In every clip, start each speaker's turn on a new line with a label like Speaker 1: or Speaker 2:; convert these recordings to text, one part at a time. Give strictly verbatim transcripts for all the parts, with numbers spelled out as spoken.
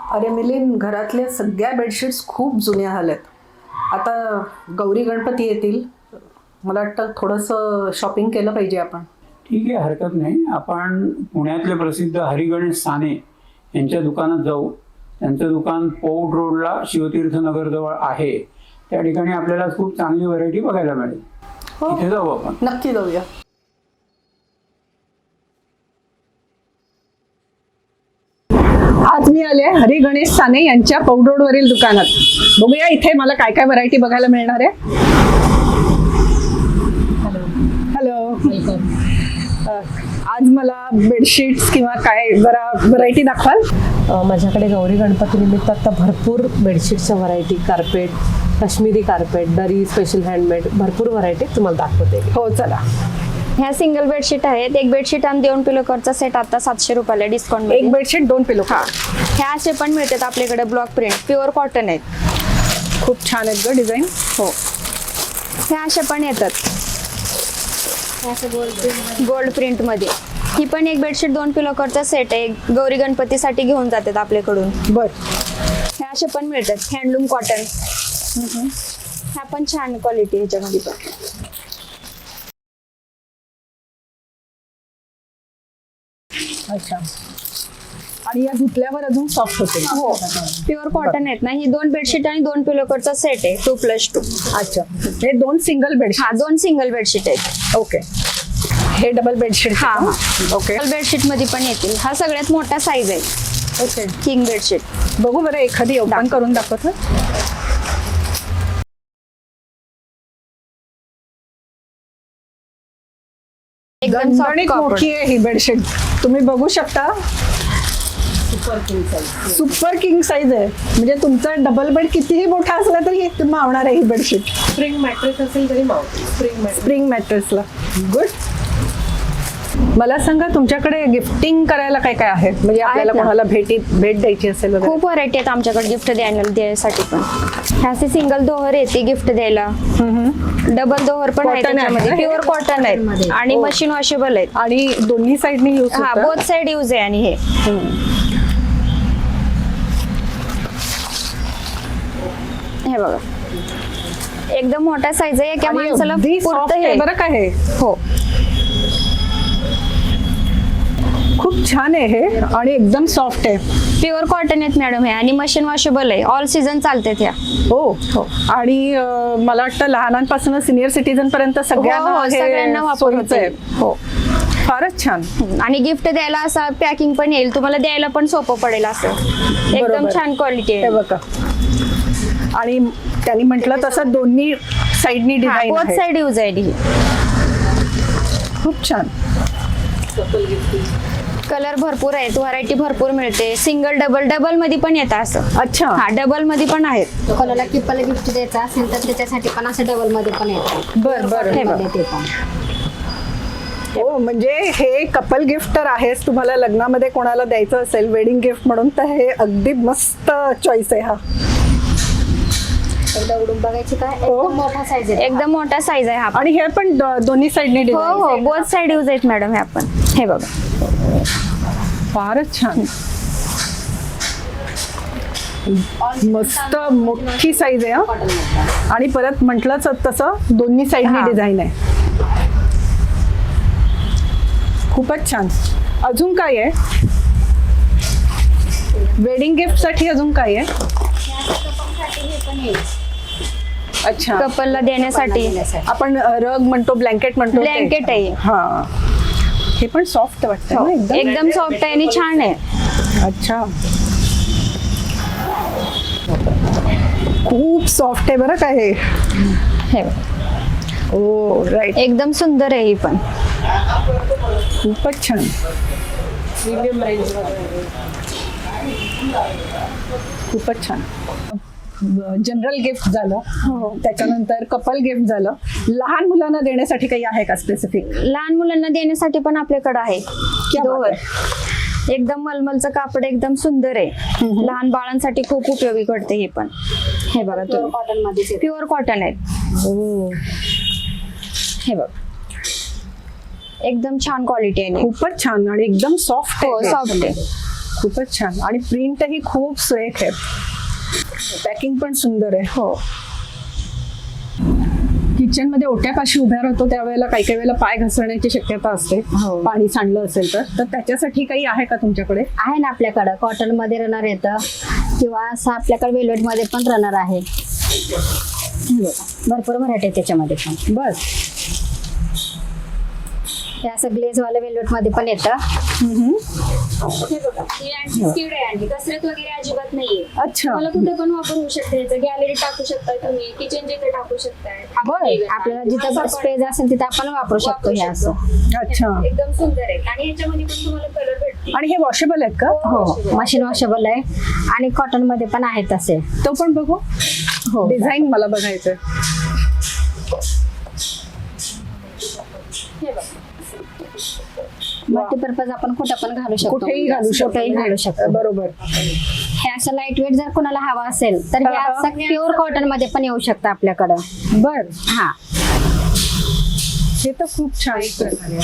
Speaker 1: अरे मिलिंद, घरातल्या सगळ्या बेडशीट्स खूप जुन्या झाल्यात. आता गौरी गणपती येतील, मला वाटतं थोडंसं शॉपिंग केलं पाहिजे आपण.
Speaker 2: ठीक आहे, हरकत नाही. आपण पुण्यातले प्रसिद्ध हरिगणेश साने यांच्या दुकानात जाऊ. त्यांचं दुकान पौड रोडला शिवतीर्थनगरजवळ आहे. त्या ठिकाणी आपल्याला खूप चांगली व्हरायटी बघायला मिळेल. तिथे जाऊ आपण.
Speaker 1: नक्की जाऊया. आज मी आले हरी गणेश साने यांच्या पौड रोडवरील दुकानात. बघूया इथे मला काय काय व्हरायटी बघायला मिळणार आहे. Hello, welcome. आज मला बेडशीट्स किंवा काय जरा व्हरायटी दाखवाल?
Speaker 3: माझ्याकडे गौरी गणपती निमित्त आता भरपूर बेडशीटच्या व्हरायटी, कार्पेट, काश्मीरी कार्पेट, दरी, स्पेशल हँडमेड, भरपूर व्हरायटी तुम्हाला दाखवते.
Speaker 1: हो चला.
Speaker 4: ह्या सिंगल बेडशीट आहेत. एक बेडशीट आणि दोन पिलो कवरचा सेट आता सातशे रुपयाला डिस्काउंट.
Speaker 1: एक बेडशीट दोन पिलो.
Speaker 4: हा, ह्या असे पण मिळतात आपल्याकडे. ब्लॉक प्रिंट, प्युअर कॉटन आहेत.
Speaker 1: खूप छान आहेत ग डिझाईन.
Speaker 4: हो, ह्या अशा पण येतात गोल्ड प्रिंट मध्ये. ही पण एक बेडशीट दोन पिलो कवरचा सेट आहे. गौरी गणपतीसाठी घेऊन जातात आपल्याकडून.
Speaker 1: बर.
Speaker 4: ह्या अशा पण मिळतात हँडलूम कॉटन. ह्या पण छान क्वालिटी ह्याच्यामध्ये पण.
Speaker 1: अच्छा. आणि या धुतल्यावर अजून सॉफ्ट होते.
Speaker 4: हो, प्युअर कॉटन आहेत ना. ही दोन बेडशीट आणि दोन पिलो कवरचा सेट आहे, टू प्लस टू.
Speaker 1: अच्छा, हे दोन सिंगल बेडशीट.
Speaker 4: हा, दोन सिंगल बेडशीट आहेत.
Speaker 1: ओके. हे डबल बेडशीट.
Speaker 4: हा हा,
Speaker 1: ओके.
Speaker 4: डबल बेडशीट मध्ये पण येतील. हा सगळ्यात मोठा साईज आहे.
Speaker 1: ओके.
Speaker 4: King bedsheet.
Speaker 1: बघू बरं, एखादी ओपन करून दाखवत.
Speaker 4: एकदम सॉफ्ट
Speaker 1: गणगणित
Speaker 4: कापड.
Speaker 1: मोठी आहे ही बेडशीट, तुम्ही बघू शकता.
Speaker 3: Super king size.
Speaker 1: Super king size आहे. म्हणजे तुमचा डबल बेड कितीही मोठा असला तरी मावणार आहे ही बेडशीट.
Speaker 3: स्प्रिंग मॅट्रेस असेल तरी मावते. Spring mattress.
Speaker 1: स्प्रिंग मॅट्रेसला. गुड. मला सांगा, तुमच्याकडे गिफ्टिंग करायला काय काय आहे? म्हणजे आपल्याला
Speaker 4: ना.
Speaker 1: कोणाला भेटी भेट द्यायची असेल वगैरे.
Speaker 4: खूप व्हरायटी आहेत आमच्याकडे गिफ्ट द्यायला द्यायसाठी पण. ह्याचे सिंगल दोहर येते गिफ्ट द्यायला. डबल दोहर पण आहे
Speaker 1: Cotton आहे
Speaker 4: त्याच्यामध्ये.
Speaker 1: ना?
Speaker 4: प्युअर कॉटन आहेत आणि
Speaker 1: हो.
Speaker 4: मशीन वॉशेबल आहेत.
Speaker 1: आणि दोन्ही साईडनी यूज
Speaker 4: हा,
Speaker 1: होतं.
Speaker 4: बोथ साइड यूज आहे. आणि हे हे बघा, एकदम मोठा साईज आहे. एका
Speaker 1: आणि
Speaker 4: माणसाला
Speaker 1: अगदी soft
Speaker 4: पुरतं
Speaker 1: आहे
Speaker 4: हे.
Speaker 1: बरं का हे.
Speaker 4: हो,
Speaker 1: खूप छान आहे हे आणि एकदम सॉफ्ट आहे.
Speaker 4: प्युअर कॉटन आहेत मॅडम हे. आणि मशीन वॉशेबल आहे. ऑल सीझन चालते त्या.
Speaker 1: हो हो. आणि अं, मला वाटतं लहानांपासून सिनियर सिटीजन पर्यंत सगळ्यांना
Speaker 4: हो, हो,
Speaker 1: हे
Speaker 4: सगळ्यांना वापर
Speaker 1: सोयीचं आहे.
Speaker 4: होते. हो.
Speaker 1: फारच छान.
Speaker 4: आणि गिफ्ट द्यायला असं पॅकिंग पण येईल तुम्हाला, द्यायला पण सोपं पडेल असं. एकदम
Speaker 1: बरोबर.
Speaker 4: छान क्वालिटी
Speaker 1: हे
Speaker 4: आहे.
Speaker 1: बघा. आणि त्यांनी म्हटलं तसं दोन्ही साईडनी डिझाईन
Speaker 4: बोथ
Speaker 1: आहे.
Speaker 4: साइड यूज आहे ही.
Speaker 1: खूप छान.
Speaker 4: कलर भरपूर आहेत, व्हरायटी भरपूर मिळते. सिंगल डबल डबल मध्ये पण येतं असं.
Speaker 1: अच्छा.
Speaker 4: हा, डबल मध्ये पण आहेत.
Speaker 5: कोणाला किपल गिफ्ट द्यायचा असेल तर त्याच्यासाठी पण असं डबल मध्ये पण येतं.
Speaker 1: बर बर.
Speaker 4: हे बघ.
Speaker 5: ते पण
Speaker 1: हो, म्हणजे हे कपल गिफ्ट तर आहेच. तुम्हाला लग्नामध्ये कोणाला द्यायचं असेल वेडिंग गिफ्ट म्हणून तर हे अगदी मस्त चॉईस आहे हा.
Speaker 5: एकदा उडून बघायची काय.
Speaker 1: हो.
Speaker 5: एकदम मोठा साईज आहे.
Speaker 4: एकदम मोठा साईज आहे हा.
Speaker 1: आणि हे पण द- दोन्ही साईडनी
Speaker 4: हो
Speaker 1: डिझाईन.
Speaker 4: हो, बोथ साइड यूज आहेत मॅडम हे. आपण हे बघा,
Speaker 1: फारच छान. मस्त मोठी साईज आहे हा. आणि परत म्हटलंच तसं दोन्ही साईडनी
Speaker 4: हा.
Speaker 1: डिझाईन आहे. खूपच छान. अजून काय आहे वेडिंग गिफ्ट साठी? अजून काय आहे? अच्छा.
Speaker 4: कपलला देण्यासाठी
Speaker 1: आपण अ, रग म्हणतो, ब्लँकेट म्हणतो. ते.
Speaker 4: ब्लँकेट आहे.
Speaker 1: हा. हे पण सॉफ्ट वाटतं ना एकदम.
Speaker 4: एकदम सॉफ्ट आहे आणि छान आहे.
Speaker 1: अच्छा. खूप सॉफ्ट आहे बरं का हे.
Speaker 4: हे बघा,
Speaker 1: ओ राईट.
Speaker 4: एकदम सुंदर आहे ही पण.
Speaker 1: खूपच छान.
Speaker 3: Premium range.
Speaker 1: खूपच छान. जनरल गिफ्ट झालं, त्याच्यानंतर कपल गिफ्ट झालं. लहान मुलांना देण्यासाठी काही आहे का स्पेसिफिक?
Speaker 4: लहान मुलांना देण्यासाठी पण आपल्याकडे आहे.
Speaker 1: क्या बात
Speaker 4: दोहर. एकदम मलमलचं कापड, एकदम सुंदर आहे. लहान बाळांसाठी खूप उपयोगी पडते हे पण. हे बघा तुम्ही,
Speaker 5: कॉटन मध्ये
Speaker 4: प्युअर कॉटन आहेत.
Speaker 1: हो.
Speaker 4: हे बघ, एकदम छान क्वालिटी आहे.
Speaker 1: खूपच छान आणि एकदम सॉफ्ट
Speaker 4: हो,
Speaker 1: आहे.
Speaker 4: सॉफ्ट आहे.
Speaker 1: खूपच छान आणि प्रिंटही खूप सुरेख आहे. पॅकिंग पण सुंदर आहे.
Speaker 3: हो.
Speaker 1: किचन मध्ये ओट्यापाशी उभ्या राहतो त्यावेळेला काही काही वेळेला पाय घसरण्याची शक्यता असते,
Speaker 3: हो.
Speaker 1: पाणी सांडलं असेल तर तर त्याच्यासाठी काही आहे का तुमच्याकडे?
Speaker 5: आहे ना आपल्याकडं कॉटन मध्ये रनर येतं किंवा असं आपल्याकडे वेल्वेट मध्ये पण रनर आहे. भरपूर व्हरायटी आहे त्याच्यामध्ये पण.
Speaker 1: बस
Speaker 5: हे असं ग्लेज वाले वेल्वेट मध्ये पण येतं. हे बघा, ही अँटी स्किड आहे आणि कसरत वगैरे अजिबात नाहीये.
Speaker 1: अच्छा.
Speaker 5: मला कुठे पण वापर होऊ शकते. याचं गॅलरी टाकू शकताय तुम्ही, किचन जिथे टाकू शकताय.
Speaker 1: बरं.
Speaker 5: आपल्याला जिथं स्पेस असेल तिथे आपण वापरू शकतो. हे असं
Speaker 1: अच्छा.
Speaker 5: एकदम सुंदर आहे आणि याच्यामध्ये पण तुम्हाला कलर भेटतील.
Speaker 1: आणि हे वॉशेबल आहेत का?
Speaker 5: हो, मशीन वॉशेबल आहे आणि कॉटन मध्ये पण आहेत तसे.
Speaker 1: तो पण बघू.
Speaker 5: हो.
Speaker 1: डिझाईन मला बघायचंय.
Speaker 5: हे बघा, मल्टीपर्पज आपण कुठं पण घालू शकतो.
Speaker 1: कुठेही घालू शकतो.
Speaker 5: कुठेही घालू शकतो.
Speaker 1: बरोबर.
Speaker 5: हे असं लाईट वेट जर कोणाला हवा असेल तर हे
Speaker 1: हा, हा.
Speaker 5: असं प्युअर कॉटन मध्ये पण येऊ शकतं आपल्याकडं.
Speaker 1: बर.
Speaker 5: हा,
Speaker 1: हे तर खूप छान प्रकारे.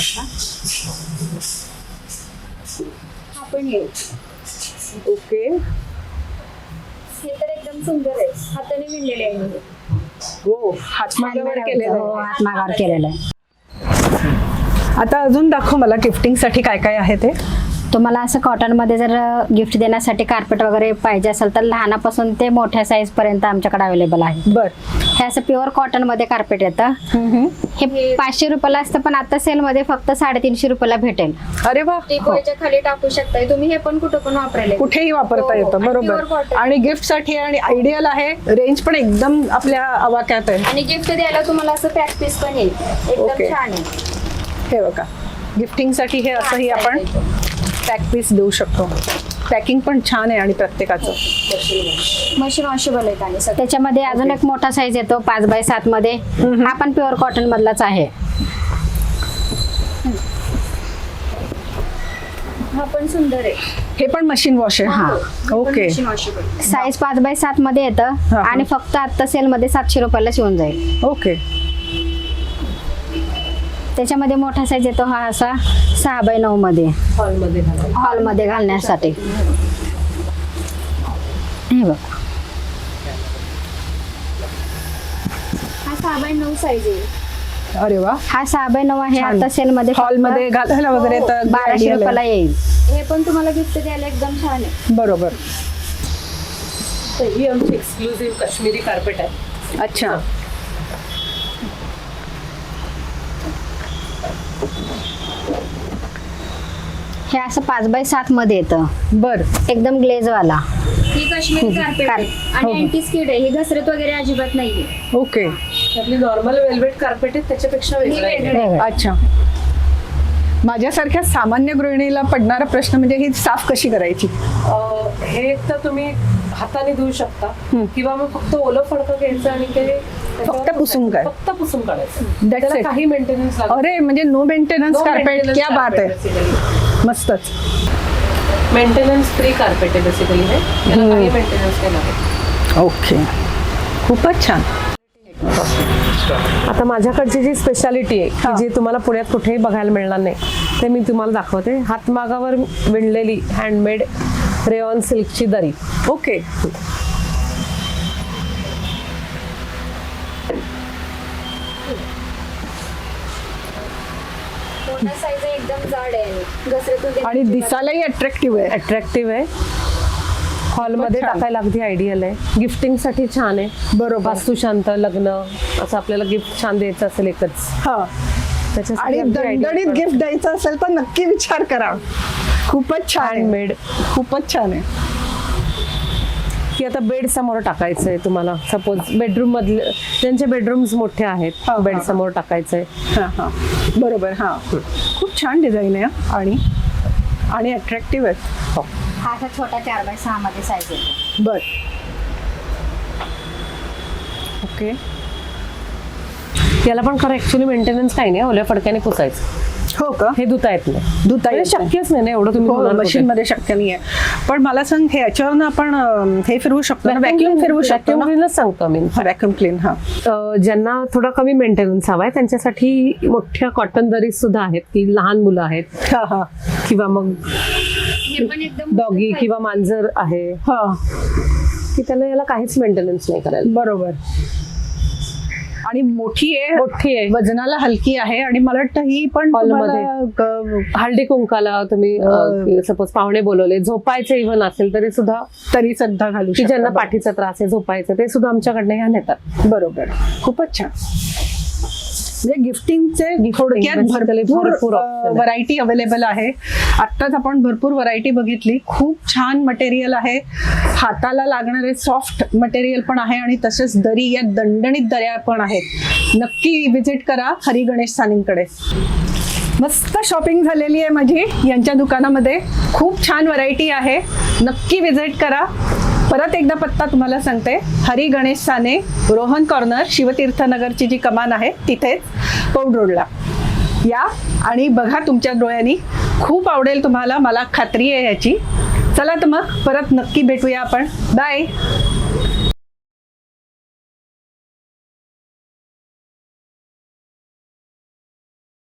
Speaker 5: आपण हे
Speaker 1: ओके.
Speaker 5: हे तर एकदम सुंदर आहे, हाताने विणलेले आहे.
Speaker 1: हो, हातमागावर केलेलं
Speaker 5: हो,
Speaker 1: आहे.
Speaker 5: हातमागावर केलेलं आहे.
Speaker 1: आता अजून दाखव मला गिफ्टिंग साठी काय काय आहे ते.
Speaker 5: तुम्हाला असं कॉटन मध्ये जर गिफ्ट देण्यासाठी कार्पेट वगैरे पाहिजे असेल तर लहानापासून ते मोठ्या साईज पर्यंत आमच्याकडे अवेलेबल आहे.
Speaker 1: बर.
Speaker 5: हे असं प्युअर कॉटन मध्ये कार्पेट येतं. हे पाचशे रुपयाला असतं पण आता सेल मध्ये फक्त साडेतीनशे रुपयाला भेटेल.
Speaker 1: अरे वा.
Speaker 5: टिपोयच्या खाली टाकू शकताय तुम्ही. हे पण कुठं पण वापरायला
Speaker 1: कुठेही वापरता
Speaker 5: हो,
Speaker 1: येतं.
Speaker 5: आणि pure
Speaker 1: बरोबर.
Speaker 5: cotton.
Speaker 1: आणि गिफ्ट साठी आणि आयडियल आहे. रेंज पण एकदम आपल्या आवाक्यात आहे.
Speaker 5: आणि गिफ्ट द्यायला तुम्हाला असं पॅक पीस पण येईल. एकदम
Speaker 1: ओके.
Speaker 5: छान आहे.
Speaker 1: हे बघा, गिफ्टिंग साठी हे असंही आपण पॅक पीस देऊ शकतो. पॅकिंग पण छान आहे आणि प्रत्येकाचं.
Speaker 5: मशीन वॉशेबल आहे आणि सगळं. त्याच्यामध्ये अजून एक मोठा साईज येतो पाच बाय सात मध्ये. हा पण प्युअर कॉटन मधलाच आहे. हा पण सुंदर आहे.
Speaker 1: हे पण मशीन वॉश आहे.
Speaker 5: हा.
Speaker 1: ओके.
Speaker 5: साईज पाच बाय सात मध्ये येतं
Speaker 1: हा.
Speaker 5: आणि फक्त आता सेल मध्ये सातशे रुपयाला शिवून जाईल.
Speaker 1: ओके.
Speaker 5: त्याच्यामध्ये मोठा साईज येतो हा असा सहा बाय नऊ मध्ये
Speaker 3: हॉलमध्ये घालायला.
Speaker 5: हॉलमध्ये घालण्यासाठी. हे बघा, हा सहा बाय नऊ साईज आहे.
Speaker 1: अरे वा.
Speaker 5: हा सहा बाय नऊ आहे.
Speaker 1: छान.
Speaker 5: आता सेल मध्ये
Speaker 1: हॉल मध्ये घालायला वगैरे तर
Speaker 5: बाराशे
Speaker 1: ideal
Speaker 5: रुपयाला
Speaker 1: आहे.
Speaker 5: येईल. हे पण तुम्हाला गिफ्ट द्यायला एकदम छान आहे.
Speaker 1: बरोबर.
Speaker 3: तर ही आमची एक्सक्लुझिव्ह काश्मीरी कार्पेट आहे.
Speaker 1: अच्छा.
Speaker 5: हे असं पाच बाय सात मध्ये येतं.
Speaker 1: बर.
Speaker 5: एकदम ग्लेज वाला. ही काश्मीरी कार्पेट आहे
Speaker 1: हो,
Speaker 5: आणि
Speaker 1: हो.
Speaker 5: अँटी स्किड आहे. ही घसरत वगैरे अजिबात नाहीये.
Speaker 1: ओके.
Speaker 3: आपली नॉर्मल वेल्वेट कार्पेट आहे त्याच्यापेक्षा वेगळं आहे.
Speaker 5: वेगळं.
Speaker 1: अच्छा. माझ्यासारख्या सामान्य गृहिणीला पडणारा प्रश्न म्हणजे ही साफ कशी करायची?
Speaker 3: अं, हे तर तुम्ही हाताने धुवू शकता किंवा मग फक्त ओलं फडकं घ्यायचं आणि ते त्याच्यावर
Speaker 1: फक्त पुसून काय?
Speaker 3: फक्त पुसून काढायचं.
Speaker 1: That's
Speaker 3: त्याला
Speaker 1: it.
Speaker 3: काही मेंटेनन्स लागत
Speaker 1: अरे म्हणजे नो मेंटेनन्स कार्पेट. क्या बात आहे. मस्तच.
Speaker 3: मेंटेनन्स फ्री कार्पेट आहे बेसिकली. हे त्याला काही मेंटेनन्स नाही लागत.
Speaker 1: ओके. खूपच छान.
Speaker 3: आता माझ्याकडची जी स्पेशालिटी आहे की जी तुम्हाला पुण्यात कुठेही बघायला मिळणार नाही ते मी तुम्हाला दाखवते. हातमागावर विणलेली हँडमेड रेऑन सिल्कची दरी.
Speaker 1: ओके.
Speaker 5: मोठा साईज आहे, एकदम जाड आहे. घसरत वगैरे
Speaker 1: आणि दिसायलाही अट्रॅक्टिव्ह आहे.
Speaker 3: अट्रॅक्टिव्ह आहे. हॉलमध्ये
Speaker 1: छान.
Speaker 3: टाकायला अगदी आयडियल आहे. गिफ्टिंगसाठी छान आहे.
Speaker 1: बरोबर.
Speaker 3: वास्तुशांत लग्न असं आपल्याला गिफ्ट छान द्यायचं असेल एकच
Speaker 1: हा.
Speaker 3: त्याच्यासाठी
Speaker 1: आणि
Speaker 3: अगदी
Speaker 1: दणदणीत
Speaker 3: ideal
Speaker 1: गिफ्ट द्यायचं असेल तर नक्की विचार करा. खूपच छान आहे.
Speaker 3: हँडमेड.
Speaker 1: खूपच छान आहे.
Speaker 3: की आता बेड समोर टाकायचं आहे तुम्हाला. सपोज बेडरूम मधले ज्यांचे बेडरूम्स मोठे आहेत
Speaker 1: हा,
Speaker 3: बेड
Speaker 1: हा.
Speaker 3: समोर टाकायचंय.
Speaker 1: हा हा. बरोबर. हा. खूप छान डिझाईन आहे आणि आणि अट्रॅक्टिव्ह आहे.
Speaker 5: हा असा छोटा चार बाय सहा मध्ये साईज येतो.
Speaker 1: बर.
Speaker 3: ओके. याला पण खरं ऍक्च्युली मेंटेनन्स काही नाही. ओल्या फडक्याने पुसायचं.
Speaker 1: हो का?
Speaker 3: हे धुता येत नाही.
Speaker 1: धुता येत
Speaker 3: म्हणजे
Speaker 1: नाही.
Speaker 3: शक्यच नाही ना एवढं तुम्ही धुणार कुठे?
Speaker 1: मशीन मध्ये शक्य नाहीये. पण मला सांग हे याच्यावरनं आपण अं, हे फिरवू शकतो ना? व्हॅक्यूम फिरवू शकतो
Speaker 3: व्हॅक्यूम
Speaker 1: ना?
Speaker 3: क्लीनच सांगतो मी.
Speaker 1: Vacuum clean. हा.
Speaker 3: अ, ज्यांना थोडा कमी मेंटेनन्स हवाय त्यांच्यासाठी मोठ्या कॉटन दरीज सुद्धा आहेत की लहान मुलं आहेत
Speaker 1: हा हा.
Speaker 3: किंवा मग
Speaker 4: हे पण एकदम
Speaker 3: डॉगी किंवा मांजर आहे
Speaker 6: हा
Speaker 3: की त्यांना याला काहीच मेंटेनन्स नाही करायला.
Speaker 6: बरोबर. आणि मोठी आहे,
Speaker 3: मोठी आहे,
Speaker 6: वजनाला हलकी आहे आणि मला वाटतं ही पण
Speaker 3: हॉलमध्ये.
Speaker 6: तुम्हाला, ग-
Speaker 3: हळदी कुंकाला तुम्ही सपोज पाहुणे बोलवले, झोपायचे इव्हन असेल तरी सुद्धा,
Speaker 6: तरी सुद्धा घालू
Speaker 3: की
Speaker 6: शकता.
Speaker 3: ज्यांना पाठीचा त्रास आहे झोपायचं ते सुद्धा आमच्याकडनं ह्या नेतात.
Speaker 6: बरोबर. खूपच छान. म्हणजे गिफ्टिंगचे थोडक्यात
Speaker 3: basically
Speaker 6: भरपूर
Speaker 3: भरपूर option आहे.
Speaker 6: व्हरायटी अवेलेबल आहे. आत्ताच आपण भरपूर व्हरायटी बघितली. खूप छान मटेरियल आहे, हाताला लागणारे सॉफ्ट मटेरियल पण आहे आणि तसेच दरी, या दणदणीत दऱ्या पण आहेत. नक्की विजिट करा हरी गणेश सानींकडे. मस्त शॉपिंग झालेली आहे माझी यांच्या दुकानामध्ये. खूप छान व्हरायटी आहे, नक्की विजिट करा. परत एकदा पत्ता तुम्हाला सांगते, हरी गणेश साने, रोहन कॉर्नर, शिवतीर्थनगरची जी कमान आहे तिथेच, पौड रोडला या आणि बघा तुमच्या डोळ्यांनी. खूप आवडेल तुम्हाला, मला खात्री आहे याची. चला तर मग परत नक्की भेटूया आपण. बाय.